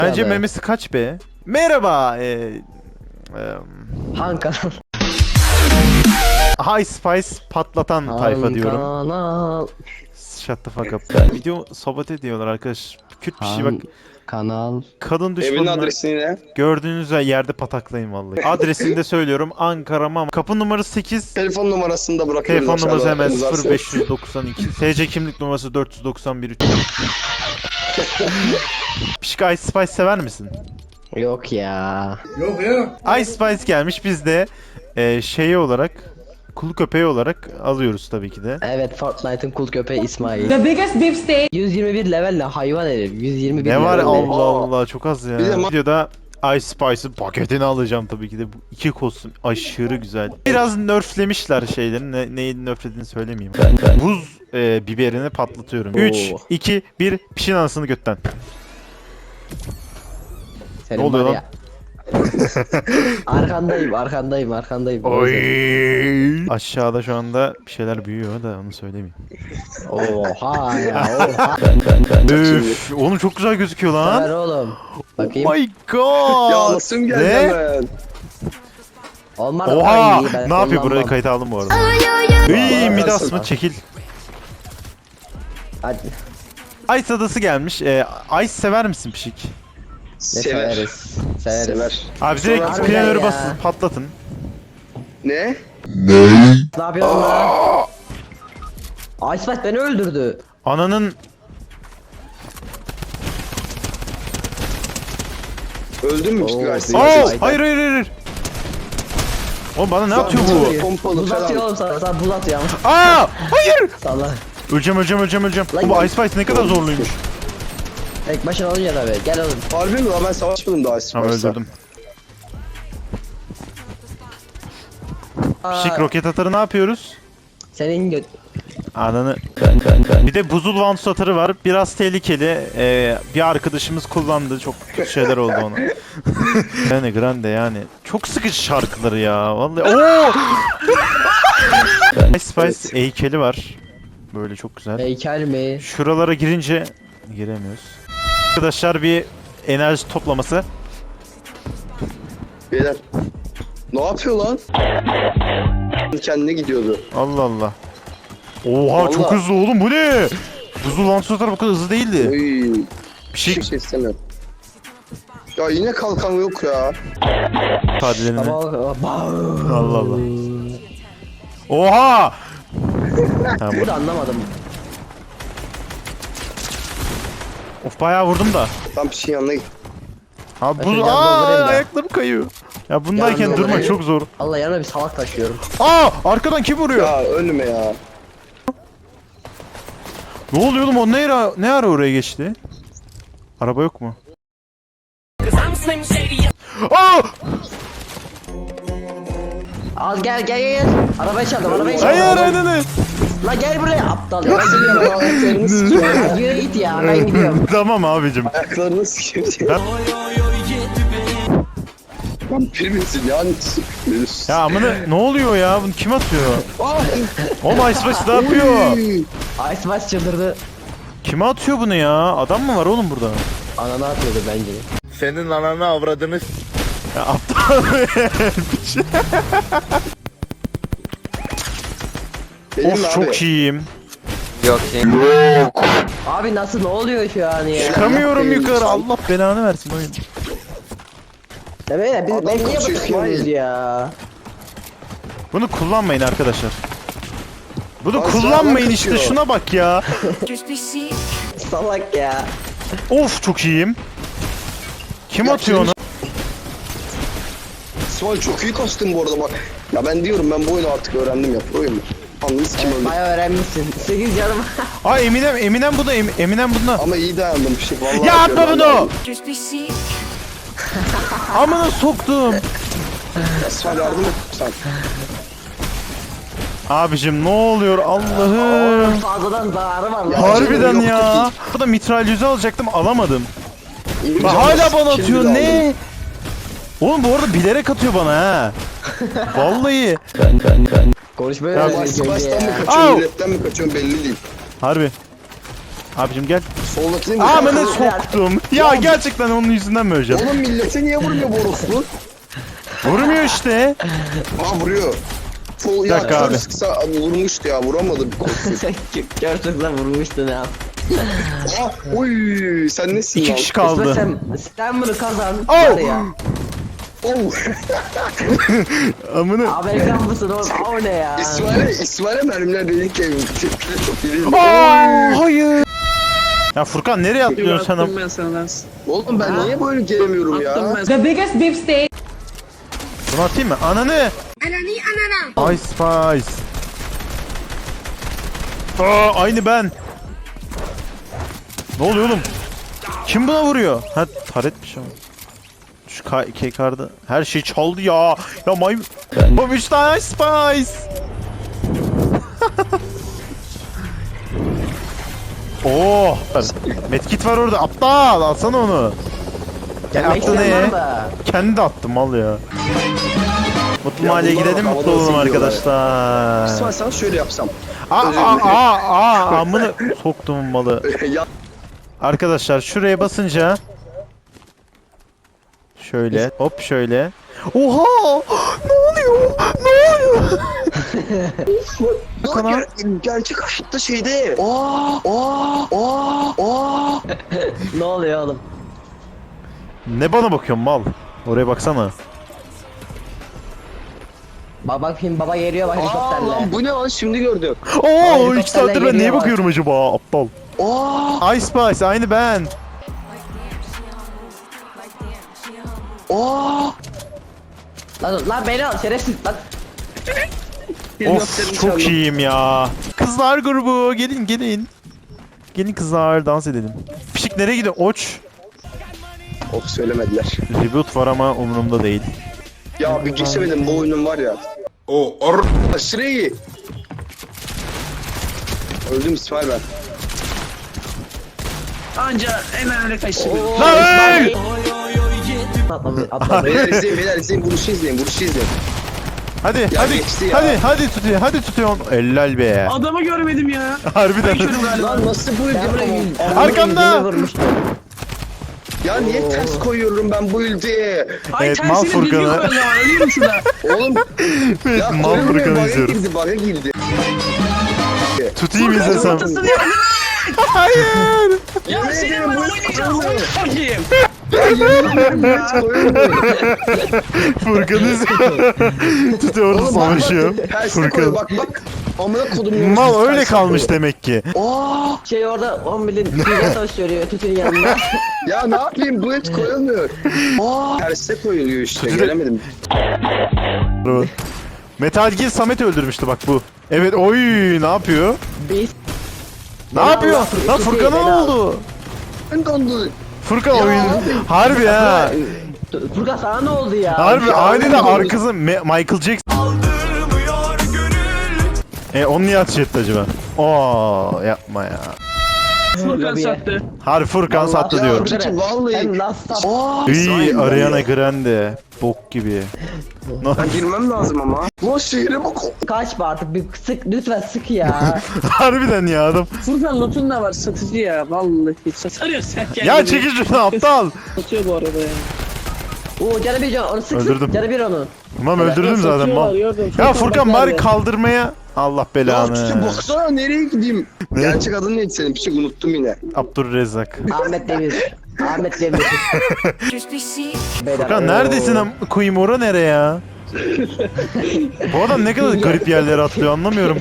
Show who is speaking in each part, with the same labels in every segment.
Speaker 1: Bence memesi kaç be? Merhaba.
Speaker 2: Han kanal.
Speaker 1: High Spice patlatan tayfa diyorum.
Speaker 2: Kanal.
Speaker 1: Shut the fuck up. Video sabote ediyorlar arkadaş. Kürt bir şey bak.
Speaker 2: Kanal.
Speaker 1: Kadın
Speaker 3: Evin
Speaker 1: düşmanına
Speaker 3: adresini ne?
Speaker 1: gördüğünüz yerde pataklayın vallahi. Adresini de söylüyorum. Ankara Mama. Kapı numarası 8.
Speaker 3: Telefon numarasını da bırakıyoruz.
Speaker 1: Telefon numarası
Speaker 3: aşağıda.
Speaker 1: hemen
Speaker 3: Imzası.
Speaker 1: 0592. TC kimlik numarası 491. Pişik Ice Spice sever misin?
Speaker 2: Yok ya.
Speaker 1: Ice Spice gelmiş, biz de şeyi olarak, kul köpeği olarak alıyoruz tabii ki de.
Speaker 2: Evet, Fortnite'ın kul köpeği İsmail.
Speaker 4: The biggest beef steak.
Speaker 2: 121 level ne hayvan herif. 121
Speaker 1: Ne var
Speaker 2: level
Speaker 1: Allah Allah, çok az ya.
Speaker 3: Bir de
Speaker 1: Videoda Ice Spice'ın paketini alacağım tabii ki de. Bu iki kostüm aşırı güzel. Biraz nerflemişler şeylerin. Neyi nerflediğini söylemeyeyim. Buz biberini patlatıyorum. 3, 2, 1, pişin anasını götten.
Speaker 2: Senin
Speaker 1: Ne oluyor
Speaker 2: var
Speaker 1: lan?
Speaker 2: ya. arkandayım.
Speaker 1: Oy. Aşağıda şu anda bir şeyler büyüyor da onu söylemeyeyim.
Speaker 2: Oha ya oha.
Speaker 1: Üf, oğlum çok güzel gözüküyor
Speaker 2: Ver
Speaker 1: lan.
Speaker 2: oğlum. Bakayım.
Speaker 1: Oh my god.
Speaker 3: Ya nasıl geldi
Speaker 1: Ne?
Speaker 3: hemen?
Speaker 2: Olmadı.
Speaker 1: Oha!
Speaker 2: Ay, ben
Speaker 1: Ne yapıyor? Burayı
Speaker 2: kullanmam.
Speaker 1: kayıta aldım bu arada. İyi Midas mı? Çekil.
Speaker 2: Hadi.
Speaker 1: Ice adası gelmiş. Ice sever misin Pişik?
Speaker 2: Ne
Speaker 3: Sever.
Speaker 2: severiz.
Speaker 3: Sever.
Speaker 1: Abi direkt
Speaker 2: Harbiden
Speaker 1: planörü
Speaker 2: ya.
Speaker 1: basın, patlatın.
Speaker 3: Ne?
Speaker 2: Ne yapıyorsun lan? Icefight beni öldürdü.
Speaker 1: Ananın
Speaker 3: Öldün mü
Speaker 2: Oo.
Speaker 3: işte Gays'ı?
Speaker 1: hayır hayır hayır. Oğlum bana ne yapıyor bu?
Speaker 3: Pompalı
Speaker 2: Buz atıyor
Speaker 3: falan.
Speaker 2: oğlum sana buz atıyor ama.
Speaker 1: Aa! Hayır!
Speaker 2: Salla.
Speaker 1: Öleceğim.
Speaker 2: Lan
Speaker 1: Bu
Speaker 2: gel.
Speaker 1: Ice Spice ne kadar zorluymuş.
Speaker 2: Tek başına olunca tabii. Gel oğlum.
Speaker 3: Harbi mi lan, ben savaşmadım daha
Speaker 1: Tamam, öldürdüm. Pişik roket atarı ne yapıyoruz?
Speaker 2: Senin göt.
Speaker 1: Ananı. Bir de buzul vans atarı var. Biraz tehlikeli. Bir arkadaşımız kullandı. Çok kötü şeyler oldu ona. Yani grande yani. Çok sıkıcı şarkıları ya. Vallahi. Oo! Ice Spice heykeli var. Böyle çok güzel.
Speaker 2: Heykel mi?
Speaker 1: Şuralara girince giremiyoruz. Arkadaşlar bir enerji toplaması.
Speaker 3: Beyler. Ne yapıyor lan? Kendine gidiyordu.
Speaker 1: Allah Allah. Oha
Speaker 3: Vallahi.
Speaker 1: çok hızlı oğlum, bu ne? Buzul vans atarı bu kadar hızlı değildi.
Speaker 3: Oy.
Speaker 1: Bir şey
Speaker 3: Hiçbir şey istemiyorum. Ya yine kalkan yok ya.
Speaker 1: ifadelerini.
Speaker 2: Ama
Speaker 1: Allah Allah. Oha! Ha,
Speaker 2: bu da anlamadım.
Speaker 1: of bayağı vurdum da.
Speaker 3: Tam bir şey yanına git.
Speaker 1: Ha
Speaker 2: Ben
Speaker 1: buz,
Speaker 2: şöyle doldurayım da.
Speaker 1: ayaklarım kayıyor. Ya bundayken
Speaker 2: Yanına
Speaker 1: durmak
Speaker 2: doldurayım.
Speaker 1: çok zor.
Speaker 2: Allah yanına bir salak taşıyorum.
Speaker 1: Arkadan kim vuruyor?
Speaker 3: Ya ölme ya.
Speaker 1: Ne oluyor oğlum, o ne ara oraya geçti? Araba yok mu? Aa!
Speaker 2: Al gel. Arabayı çaldım
Speaker 1: Hayır hayır.
Speaker 2: La gel buraya aptal ya. Ben gidiyorum.
Speaker 3: Ayaklarını sikiyor.
Speaker 2: Ya yürü git ya ben gidiyorum.
Speaker 1: Tamam abicim.
Speaker 3: Ayaklarını sikiyor. Lan birbirinsin ya.
Speaker 1: Ya amına ne oluyor ya? Bunu kim atıyor?
Speaker 3: Ah!
Speaker 1: Oğlum Ice Spice ne yapıyor?
Speaker 2: Icefight çıldırdı.
Speaker 1: Kime atıyor bunu ya? Adam mı var oğlum burada?
Speaker 2: Ananı atıyordu bence.
Speaker 5: Senin ananı avradını
Speaker 1: Ya aptal.
Speaker 3: Benim
Speaker 1: Of
Speaker 3: abi.
Speaker 1: çok iyiyim.
Speaker 2: Abi nasıl ne oluyor şu an ya?
Speaker 1: Çıkamıyorum
Speaker 3: Allah
Speaker 1: yukarı.
Speaker 3: belanı.
Speaker 1: Allah belanı versin oyun.
Speaker 2: Ya böyle biz
Speaker 3: Adam
Speaker 2: ben niye
Speaker 3: kaçıyor
Speaker 2: bakıyoruz
Speaker 3: İsmail.
Speaker 2: ya?
Speaker 1: Bunu kullanmayın arkadaşlar. Bunu
Speaker 3: Az
Speaker 1: kullanmayın
Speaker 3: daha
Speaker 1: işte,
Speaker 3: kaçıyor.
Speaker 1: şuna bak ya.
Speaker 2: Salak ya.
Speaker 1: Of çok iyiyim. Kim
Speaker 3: Ya
Speaker 1: atıyor onu?
Speaker 3: İsmail çok iyi kastın bu arada bak. Ya ben diyorum, ben bu oyunu artık öğrendim ya. Proyum ben. Anladınız kim öldü.
Speaker 2: Bayağı öğrenmişsin. 8 canım.
Speaker 1: Aa Eminem bu da Eminem bunda.
Speaker 3: Ama iyi dayandım bir şey. Vallahi
Speaker 1: Ya atma
Speaker 3: yapıyorum,
Speaker 1: bunu. Amına soktum.
Speaker 3: İsmail yardım et sen.
Speaker 1: Abicim ne oluyor Allah'ım.
Speaker 2: Fazladan zararı var lan.
Speaker 1: Harbiden
Speaker 3: Yok,
Speaker 1: ya.
Speaker 3: yok.
Speaker 1: Bu da mitralyözü alacaktım, alamadım.
Speaker 3: İyi
Speaker 1: Bak
Speaker 3: canım,
Speaker 1: hala bana
Speaker 3: şimdi
Speaker 1: atıyor,
Speaker 3: de
Speaker 1: ne?
Speaker 3: aldım.
Speaker 1: Oğlum bu arada bilerek atıyor bana ha. Vallahi.
Speaker 2: Konuşmaya
Speaker 1: Ya
Speaker 3: Ama
Speaker 2: öğrendik önce
Speaker 3: Sivas'tan mı
Speaker 2: ya.
Speaker 3: kaçıyorsun,
Speaker 1: Au!
Speaker 3: milletten mi kaçıyorsun belli değil.
Speaker 1: Harbi. Abicim gel.
Speaker 3: Soldakini mi?
Speaker 1: Amına soktum. Ya gerçekten onun yüzünden mi öleceğim?
Speaker 3: Oğlum millete niye vurmuyor bu orospu?
Speaker 1: Vurmuyor işte.
Speaker 3: Aa vuruyor. Sol ya
Speaker 1: dakika abi.
Speaker 3: kör sıksa vurmuştu ya vuramadı bir korkusuz.
Speaker 2: Gerçekten vurmuştun ya.
Speaker 3: Aa oy sen nesin
Speaker 1: 2
Speaker 3: lan?
Speaker 1: kişi kaldı.
Speaker 2: Sen bunu kazan.
Speaker 1: Oh!
Speaker 2: Var ya.
Speaker 3: Oh.
Speaker 1: Amına.
Speaker 2: Amerikan mısın oğlum? O ne ya?
Speaker 3: İsmail'e mermiler dedik ki tepkileri çok iyi değil.
Speaker 1: Aa, hayır. Ya Furkan nereye atlıyorsun sen?
Speaker 4: Attım ben sana.
Speaker 3: Oğlum ben niye böyle gelemiyorum ya?
Speaker 4: Attım ben.
Speaker 6: The biggest beef steak.
Speaker 1: Bunu atayım mı? Ananı. Ice Spice. Aa, aynı ben. Ne oluyor oğlum? Kim buna vuruyor? Ha taretmiş ama. Şu K-Card'ı her şey çaldı ya. Ya Bom 3 tane Ice Spice. Oh. Medkit var orada. Aptal alsana onu.
Speaker 2: Gelmek
Speaker 1: Attı ne?
Speaker 2: isteyen var da.
Speaker 1: Kendi de attım al ya. Mutlu
Speaker 3: Ya
Speaker 1: mahalleye
Speaker 3: bunlar
Speaker 1: gidelim
Speaker 3: bak,
Speaker 1: mutlu
Speaker 3: havada
Speaker 1: olalım
Speaker 3: zilliyorlar.
Speaker 1: arkadaşlar.
Speaker 3: İsmail sana şöyle yapsam.
Speaker 1: Amına soktum malı.
Speaker 3: Ya
Speaker 1: Arkadaşlar şuraya basınca şöyle hop şöyle. Oha! Ne oluyor? Ne oluyor?
Speaker 3: bak gerçek hayatta şeyde. Aa.
Speaker 2: Ne oluyor oğlum?
Speaker 1: Ne bana bakıyorsun mal? Oraya baksana.
Speaker 2: Bak film baba geliyor bak
Speaker 3: Aa
Speaker 2: helikopterle.
Speaker 3: lan bu ne lan şimdi gördüm.
Speaker 1: Oo,
Speaker 2: helikopterle
Speaker 1: 2 saattir ben neye
Speaker 2: geliyor bak.
Speaker 1: bakıyorum acaba aptal?
Speaker 3: Aa.
Speaker 1: Ice Spice aynı ben.
Speaker 3: Aa.
Speaker 2: Lan beni al şerefsiz lan.
Speaker 1: Of çok iyiyim ya. Kızlar grubu gelin gelin. Gelin kızlar dans edelim. Pişik nereye gidiyor? Oç.
Speaker 3: Of söylemediler.
Speaker 1: Reboot var ama umurumda değil.
Speaker 3: Ya bir geçemedim bu oyunun var ya. Aşırı iyi. Öldüm İsmail ben.
Speaker 4: Anca en önemli kaçtı.
Speaker 1: Lan!
Speaker 2: Atla.
Speaker 3: Beyler izleyin vuruşu izleyin
Speaker 1: Hadi hadi
Speaker 3: geçti ya.
Speaker 1: hadi tutuyor. Ellal be.
Speaker 4: Adamı görmedim ya.
Speaker 1: Harbiden.
Speaker 4: Körüm galiba.
Speaker 3: Lan nasıl bu ülke?
Speaker 1: Arkamda!
Speaker 3: Ya niye ters koyuyorum ben bu ülkeye?
Speaker 4: Ay
Speaker 1: Evet,
Speaker 4: tersine
Speaker 1: mal
Speaker 4: düzgün
Speaker 1: Furkan'ı.
Speaker 4: koyalım. Ölüyorum şurada.
Speaker 3: Oğlum ya
Speaker 1: Mal
Speaker 3: koyamıyorum,
Speaker 1: Furkan'ı
Speaker 3: bug'a
Speaker 1: izliyoruz.
Speaker 3: girdi bug'a girdi.
Speaker 1: Tutayım izlesem.
Speaker 4: Ortasını yaptın.
Speaker 1: Hayır.
Speaker 4: Ya
Speaker 3: Yemin
Speaker 4: senin
Speaker 3: ederim
Speaker 4: ben
Speaker 3: bu
Speaker 4: oynayacağım.
Speaker 3: koyamıyorum.
Speaker 4: Bakayım.
Speaker 3: Ya yemin ederim bu hiç koyamıyorum.
Speaker 1: Furkan izliyor. Tutuyor orada
Speaker 3: Oğlum bak
Speaker 1: savaşıyor.
Speaker 3: bak tersine koy
Speaker 1: Furkan.
Speaker 3: bak. Amına kodum
Speaker 1: Mal öyle kalmış demek ki.
Speaker 3: Aa
Speaker 2: Şey orada 10 milyon dünya savaşıyor tütün yanında.
Speaker 3: ya ne yapayım bu hiç koyamıyor. Aa terse koyuluyor işte
Speaker 1: Tütü-
Speaker 3: gelemedim.
Speaker 1: Metal Gear Samet öldürmüştü bak bu. Evet oy ne yapıyor?
Speaker 2: Biz.
Speaker 1: Ne yapıyor? Lan
Speaker 2: Tutuyor,
Speaker 1: Furkan'a ne
Speaker 2: beni al.
Speaker 1: oldu?
Speaker 3: Ben dondu.
Speaker 1: Furkan
Speaker 3: Ya
Speaker 1: oyun.
Speaker 3: abi.
Speaker 1: Harbi ha.
Speaker 2: Furkan sana ne oldu ya?
Speaker 1: Harbi
Speaker 3: Ya
Speaker 1: aniden
Speaker 3: abi.
Speaker 1: arkası Michael Jackson. Onu niye ateş etti acaba? Oo yapma ya.
Speaker 4: Furkan
Speaker 2: Lobiye.
Speaker 4: sattı.
Speaker 1: Harbi Furkan sattı
Speaker 3: Ya
Speaker 1: diyorum.
Speaker 3: Furkan, vallahi.
Speaker 2: Hem last stop.
Speaker 3: Aa
Speaker 1: İyi
Speaker 3: İsmail
Speaker 1: Ariana
Speaker 3: ya.
Speaker 1: Grande. Bok gibi.
Speaker 3: Ben girmem lazım ama. Lan şehre bak.
Speaker 2: Kaçma artık bir sık lütfen sık ya.
Speaker 1: Harbiden ya adam.
Speaker 4: Furkan lotun da var satıcı ya. Vallahi satarıyor sen kendini.
Speaker 1: Ya çekil şunu aptal.
Speaker 4: Satıyor bu arada ya.
Speaker 2: Oo canı bir onu sık
Speaker 1: Öldürdüm.
Speaker 2: sık canı bir onu.
Speaker 1: Tamam öldürdüm zaten
Speaker 4: Satıyorlar,
Speaker 1: mal.
Speaker 4: gördüm.
Speaker 1: Ya Furkan
Speaker 4: bak
Speaker 1: bari
Speaker 4: nerede?
Speaker 1: kaldırmaya. Allah
Speaker 3: Ya
Speaker 1: belanı.
Speaker 3: Tütü baksana nereye gideyim?
Speaker 1: Ne?
Speaker 3: Gerçek adın neydi senin? Bir şey unuttum yine.
Speaker 1: Abdurrezzak.
Speaker 2: Ahmet Demir. Ahmet Demir. Beyler,
Speaker 1: Furkan
Speaker 2: oo.
Speaker 1: neredesin koyayım ora nereye ya? Bu adam ne kadar garip yerlere atlıyor anlamıyorum.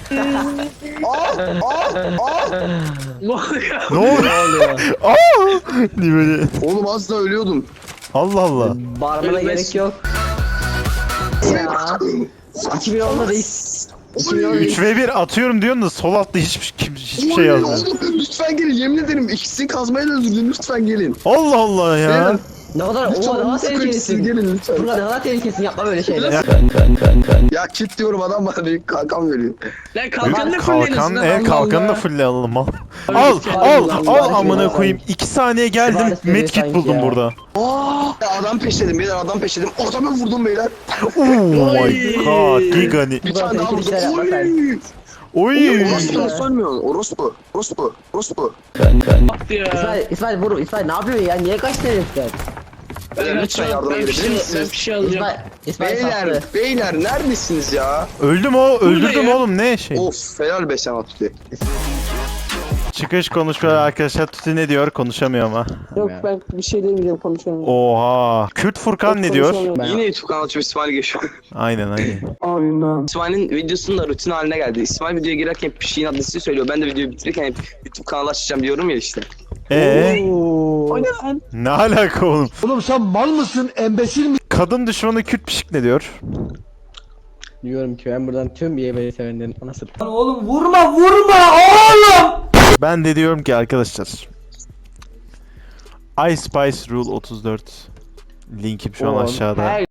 Speaker 4: Ne oluyor?
Speaker 1: Ne oluyor? Aa! Diye böyle.
Speaker 3: Oğlum az da ölüyordum.
Speaker 1: Allah Allah.
Speaker 2: Bağırmana
Speaker 4: Ölmez.
Speaker 2: gerek yok. Ya. 2010'da reis. 2010'da reis.
Speaker 1: 3v1 atıyorum diyorsun da sol altta hiçbir şey
Speaker 3: Oy,
Speaker 1: yazmıyor.
Speaker 3: Oğlum lütfen gelin yemin ederim ikisini kazmaya da öldürdüm lütfen gelin.
Speaker 1: Allah Allah ya.
Speaker 3: Beyler,
Speaker 2: Ne kadar
Speaker 3: lütfen
Speaker 2: o daha
Speaker 3: onu sıkın siz
Speaker 2: tehlikelisin.
Speaker 3: gelin lütfen.
Speaker 2: Furkan ne kadar tehlikelisin yapma böyle şeyler.
Speaker 3: Ya kit diyorum adam bana büyük kalkan veriyor.
Speaker 4: Lan kalkanını
Speaker 1: Kalkan,
Speaker 4: fullleyelim.
Speaker 1: kalkanı da fulle alalım al.
Speaker 4: Öyle
Speaker 1: Al,
Speaker 4: şey
Speaker 1: al,
Speaker 4: var,
Speaker 1: al
Speaker 2: var,
Speaker 1: amına
Speaker 2: var.
Speaker 1: koyayım. 2 saniye geldim,
Speaker 2: Süvari seviyor
Speaker 1: medkit
Speaker 2: sanki
Speaker 1: buldum
Speaker 2: ya.
Speaker 1: burada.
Speaker 3: Ya adam peşledim beyler adam peşledim. Adamı vurdum beyler.
Speaker 1: Oh my god, Gigani.
Speaker 3: Bir tane daha
Speaker 2: tehlikeli
Speaker 3: vurdum.
Speaker 2: şeyler yapma sen.
Speaker 3: Oy.
Speaker 1: Oy.
Speaker 3: Orospu nasıl ölmüyorsun? Orospu.
Speaker 4: Bak ya.
Speaker 2: İsmail vur. İsmail ne yapıyorsun ya? Niye kaçtın herifler?
Speaker 3: Beyler lütfen yardıma
Speaker 4: Ben bir
Speaker 3: gelebilir
Speaker 4: şey, ben
Speaker 3: misiniz?
Speaker 4: bir şey alacağım.
Speaker 2: İsmail
Speaker 3: Beyler,
Speaker 2: sattı.
Speaker 3: beyler neredesiniz ya?
Speaker 1: Öldürdüm
Speaker 4: ya.
Speaker 1: oğlum ne şey.
Speaker 3: Of helal be sana Tuti.
Speaker 1: Çıkış konuşmaları arkadaşlar. Tuti ne diyor? Konuşamıyor ama.
Speaker 4: Yok ben bir şey demeyeceğim konuşamıyorum.
Speaker 1: Oha. Kürt Furkan ne diyor?
Speaker 3: Yine YouTube kanalı açıp İsmail geçiyor.
Speaker 1: Aynen.
Speaker 4: Amin.
Speaker 3: İsmail'in videosunun da rutin haline geldi. İsmail videoya girerken hep bir şeyin adresini söylüyor. Ben de videoyu bitirirken hep YouTube kanalı açacağım diyorum ya işte.
Speaker 4: O ne lan?
Speaker 1: Ne alaka oğlum?
Speaker 6: Oğlum sen mal mısın, embesil mi?
Speaker 1: Kadın düşmanı Kürt pişik ne diyor?
Speaker 2: Diyorum ki ben buradan tüm YB'yi sevenlerin anasını.
Speaker 1: Ben de diyorum ki arkadaşlar. I Spice Rule 34 linkim şu an aşağıda.
Speaker 2: Her